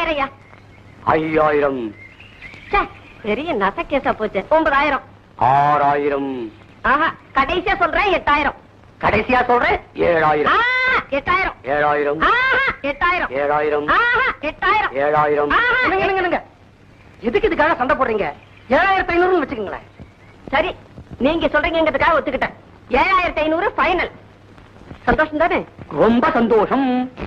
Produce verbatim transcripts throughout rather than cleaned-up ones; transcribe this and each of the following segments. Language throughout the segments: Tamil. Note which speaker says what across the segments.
Speaker 1: ஐயாயிரம்.
Speaker 2: ஐயாயிரம்.
Speaker 1: பெரிய நசக்கேசா போச்சு. ஒன்பதாயிரம்.
Speaker 2: ஆறாயிரம்.
Speaker 1: ஆஹா, கடைசியா சொல்றேன் எட்டாயிரம்.
Speaker 2: கடைசியா சொல்றேன் ஏழாயிரம்.
Speaker 1: எட்டாயிரம்.
Speaker 2: ஏழாயிரம்.
Speaker 1: எட்டாயிரம்.
Speaker 2: ஏழாயிரம்.
Speaker 1: எட்டாயிரம்.
Speaker 2: ஏழாயிரம்.
Speaker 3: எதுக்கு இதுக்காக சண்டை போடுறீங்க? ஏழாயிரத்தி ஐநூறு வச்சுக்கோங்களேன்.
Speaker 1: சரி, நீங்க சொல்றீங்கிறதுக்காக ஒத்துக்கிட்டேன். ஏழாயிரத்தி ஐநூறு ஃபைனல். சந்தோஷம் தானே?
Speaker 2: ரொம்ப சந்தோஷம்.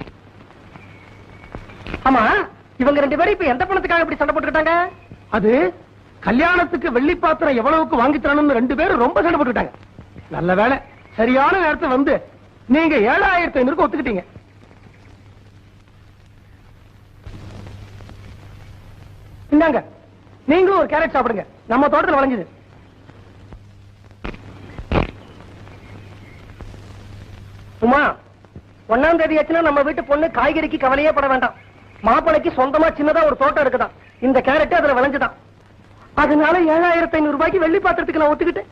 Speaker 3: ஆமா, இவங்க ரெண்டு பேரும் இப்ப எந்த பணத்துக்காக இப்படி சண்டை போட்டுக்கிட்டாங்க? அது கல்யாணத்துக்கு வெள்ளி பாத்திரம் எவ்வளவுக்கு வாங்கி தரணும்னு ரெண்டு பேரும் ரொம்ப சண்டை போட்டுக்கிட்டாங்க. நல்ல வேலை, சரியான நேரத்தை வந்து நீங்க ஏழாயிரத்தி ஐநூறுக்கு ஒத்துக்கிட்டீங்க. இந்தாங்க, நீங்களும் ஒரு கேரட் சாப்பிடுங்க. நம்ம தோட்டத்தில் விளைஞ்சது. உமா, ஒன்னாம் தேதி ஆச்சுன்னா நம்ம வீட்டு பொண்ணு காய்கறிக்கு கவலையே பட வேண்டாம். மாப்பிளைக்கு சொந்தமா சின்னதா ஒரு தோட்டம் இருக்குதான். இந்த கேரட் அதுல விளைஞ்சுதான். அதனால ஏழாயிரத்தி ஐநூறு ரூபாய்க்கு வெள்ளி பாத்திரத்துக்கு நான் ஒத்துக்கிட்டேன்.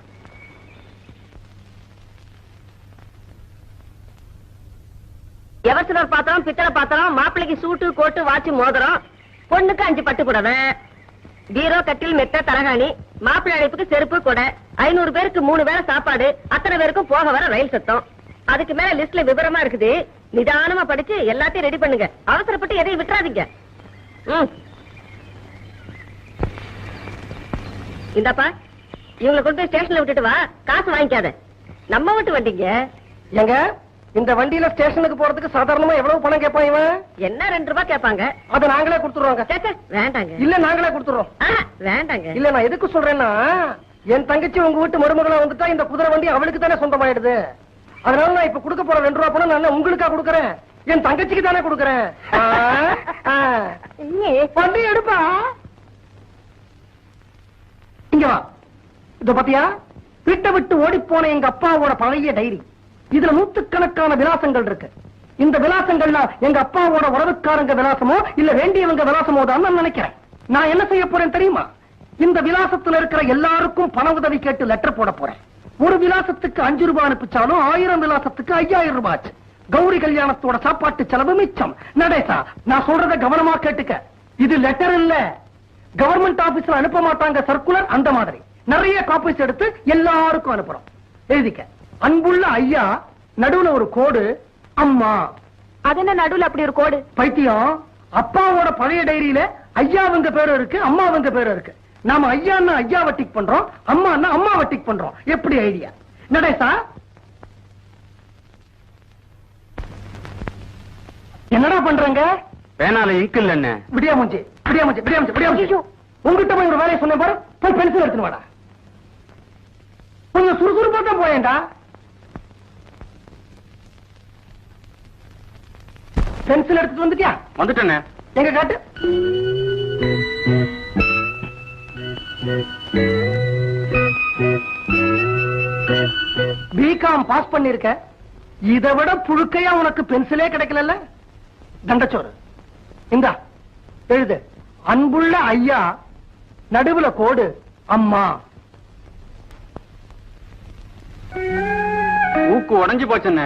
Speaker 1: எவர்சிலர் பாத்திரம், பித்தளை பாத்திரம், மாப்பிளைக்கு சூட்டு, கோட்டு, வாட்சி, மோதிரம், பொண்ணுக்கு அஞ்சு பட்டு புடவை, பீரோ, கட்டில், மெத்த, தலகாணி, மாப்பிள்ளை அழைப்புக்கு செருப்பு, கொடை, ஐநூறு பேருக்கு மூணு வேளை சாப்பாடு, அத்தனை பேருக்கும் போக வர ரயில் சத்தம். அதுக்கு மேல லிஸ்ட்ல விவரமா இருக்குது. நிதானமா படிச்சு எல்லாத்தையும் ரெடி பண்ணுங்க. அவசரப்பட்டு எதையும் விட்டுறாதீங்க. இந்தாப்பா, இவங்களை கொண்டு போய் ஸ்டேஷன்ல விட்டுட்டு வா. காசு வாங்கிக்காத. நம்ம விட்டு வண்டிங்க.
Speaker 3: எங்க இந்த வண்டியில ஸ்டேஷனுக்கு போறதுக்கு சாதாரணமா எவ்வளவு பணம் கேட்பான் இவன்?
Speaker 1: என்ன ரெண்டு ரூபாய் கேட்பாங்க.
Speaker 3: அதை நாங்களே கொடுத்துருவோங்க.
Speaker 1: வேண்டாங்க.
Speaker 3: இல்ல, நாங்களே கொடுத்துறோம்.
Speaker 1: வேண்டாங்க.
Speaker 3: இல்ல, நான் எதுக்கு சொல்றேன்னா, என் தங்கச்சி உங்க வீட்டு மருமகளா வந்துட்டா இந்த குதிரை வண்டி அவளுக்கு தானே சொந்தமாயிடுது. அதனால நான் இப்ப கொடுக்க போற ரெண்டு ரூபா பணம் நான் உங்களுக்கா கொடுக்கறேன், என் தங்கச்சிக்கு தானே கொடுக்கறேன். வண்டி எடுப்பா. இங்க வா. இத பாத்தியா? வீட்டை விட்டு ஓடி போன எங்க அப்பாவோட பழைய டைரி. இதுல நூற்றுக்கணக்கான விலாசங்கள் இருக்கு. இந்த விலாசங்கள்ல எங்க அப்பாவோட உறவுக்காரங்க விலாசமோ இல்ல வேண்டியவங்க விலாசமோ தான் நான் நினைக்கிறேன். நான் என்ன செய்ய போறேன் தெரியுமா? இந்த விலாசத்துல இருக்கிற எல்லாருக்கும் பண உதவி கேட்டு லெட்டர் போட போறேன். ஒரு விலாசத்துக்கு அஞ்சு ரூபாய் அனுப்பிச்சாலும் ஆயிரம் விலாசத்துக்கு ஐயாயிரம் ரூபாய் ஆச்சு. கௌரி கல்யாணத்தோட சாப்பாட்டு செலவு மிச்சம். நடேசா, நான் சொல்றத கவனமா கேட்டுக்க. இது லெட்டர் இல்ல. கவர்மெண்ட் ஆபீஸ்ல அனுப்ப மாட்டாங்க சர்க்குலர், அந்த மாதிரி நிறைய காப்பீஸ் எடுத்து எல்லாருக்கும் அனுப்புறோம். எழுதிக்க. அன்புள்ள ஐயா, நடுவுல ஒரு கோடு, அம்மா.
Speaker 1: அது என்ன நடுவுல அப்படி ஒரு கோடு?
Speaker 3: பைத்தியம், அப்பாவோட பழைய டைரியில ஐயாவுங்க பேரு இருக்கு, அம்மாவுங்க பேரு இருக்கு. நாம ஐயான்னா ஐயா வட்டிக் பண்றோம், அம்மான்னா அம்மா வட்டிக் பண்றோம். எப்படி ஐடியா நடேசா? என்னடா பண்றங்க?
Speaker 2: பேனால இங்க் இல்ல. என்ன
Speaker 3: விடியா மூஞ்சி, விடியா மூஞ்சி, விடியா மூஞ்சி, விடியா மூஞ்சி. உங்ககிட்ட போய் ஒரு வேலையை சொன்னேன் பாரு. போய் பென்சில் எடுத்துன்னு வாடா. கொஞ்சம் சுறுசுறுப்பா தான் போயேன்டா. பென்சில் எடுத்துட்டு வந்துட்டியா?
Speaker 2: வந்துட்டேனே.
Speaker 3: எங்க காட்டு. பிகாம் பாஸ் பண்ணிருக்க. இதை விட புழுக்கையா உனக்கு பென்சிலே கிடைக்கல. தண்டச்சோறு இந்தா எழுது. அன்புள்ள ஐயா, நடுவுல கோடு, அம்மா.
Speaker 2: ஊக்கு உடைஞ்சு போச்சுன்னு.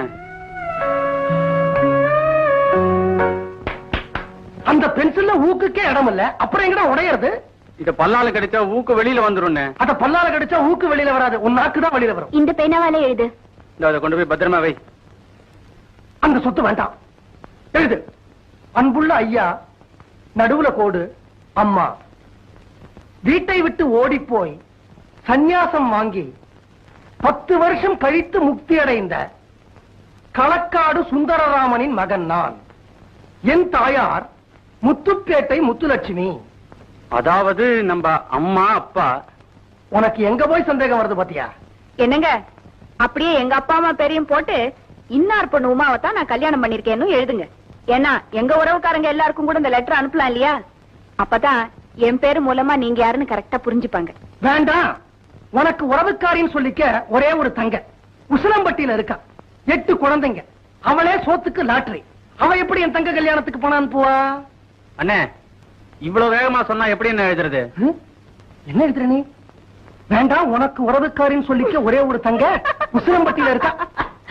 Speaker 3: அந்த பென்சில்ல ஊக்குக்கே இடம் இல்ல, அப்புறம் எங்கடா உடையறது?
Speaker 2: இத பல்லால கிடைச்சா ஊக்கு வெளியில வந்துரும்.
Speaker 3: அத பல்லால கிடைச்சா ஊக்கு வெளியில வராது, உன் நாக்கு தான் வெளியில வரும்.
Speaker 1: இந்த பேனாவால எழுது.
Speaker 2: அதை கொண்டு போய் பத்திரமா வை.
Speaker 3: அந்த சொத்து வேண்டாம். எழுது. அன்புள்ள ஐயா, நடுவுல கோடு, அம்மா. வீட்டை விட்டு ஓடி போய் சந்நியாசம் வாங்கி பத்து வருஷம் கழித்து முக்தி அடைந்த களக்காடு சுந்தரராமனின் மகன் நான். என் தாயார் முத்துப்பேட்டை முத்துலட்சுமி.
Speaker 2: அதாவது நம்ம அம்மா அப்பா.
Speaker 3: உனக்கு எங்க போய் சந்தேகம் வருது பாத்தியா?
Speaker 1: என்னங்க, அப்படியே எங்க அப்பா அம்மா பேரையும் போட்டு இன்னார் பொண்ணு உமாவை தான் நான் கல்யாணம் பண்ணிருக்கேன்னு எழுதுங்க. ஏன்னா எங்க உறவுக்காரங்க எல்லாருக்கும் கூட இந்த லெட்டர் அனுப்பலாம் இல்லையா? அப்பதான் என் பேரு மூலமா நீங்க யாருன்னு கரெக்டா புரிஞ்சுப்பாங்க.
Speaker 3: வேண்டாம். உனக்கு உறவுக்காரின்னு சொல்லிக்க ஒரே ஒரு தங்க உசிலம்பட்டியில இருக்கா. எட்டு குழந்தைங்க. அவளே சோத்துக்கு லாட்டரி. அவ எப்படி என் தங்க கல்யாணத்துக்கு பணம் அனுப்புவா?
Speaker 2: அண்ணே, இவ்வளவு வேகமா சொன்னா எப்படி என்ன எழுதுறது?
Speaker 3: என்ன எழுதுற நீ? வேண்டாம். உனக்கு உறவுக்காரின்னு சொல்லிக்க ஒரே ஒரு தங்க உசிலம்பட்டியில இருக்கா.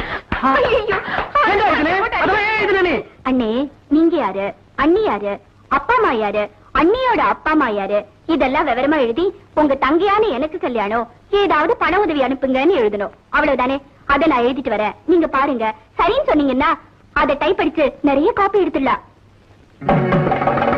Speaker 1: அண்ணே, நீங்க யாரு, அண்ணி யாரு,
Speaker 4: அப்பா அம்மா யாரு, அண்ணியோட அப்பா அம்மா யாரு, இதெல்லாம் விவரமா எழுதி உங்க தங்கையான எனக்கு கல்யாணம், ஏதாவது பண உதவி அனுப்புங்கன்னு எழுதணும். அவ்வளவுதானே? அதை நான் எழுதிட்டு வரேன், நீங்க பாருங்க. சரின்னு சொன்னீங்கன்னா அதை டைப் அடிச்சு நிறைய காப்பி எடுத்துடலாம்.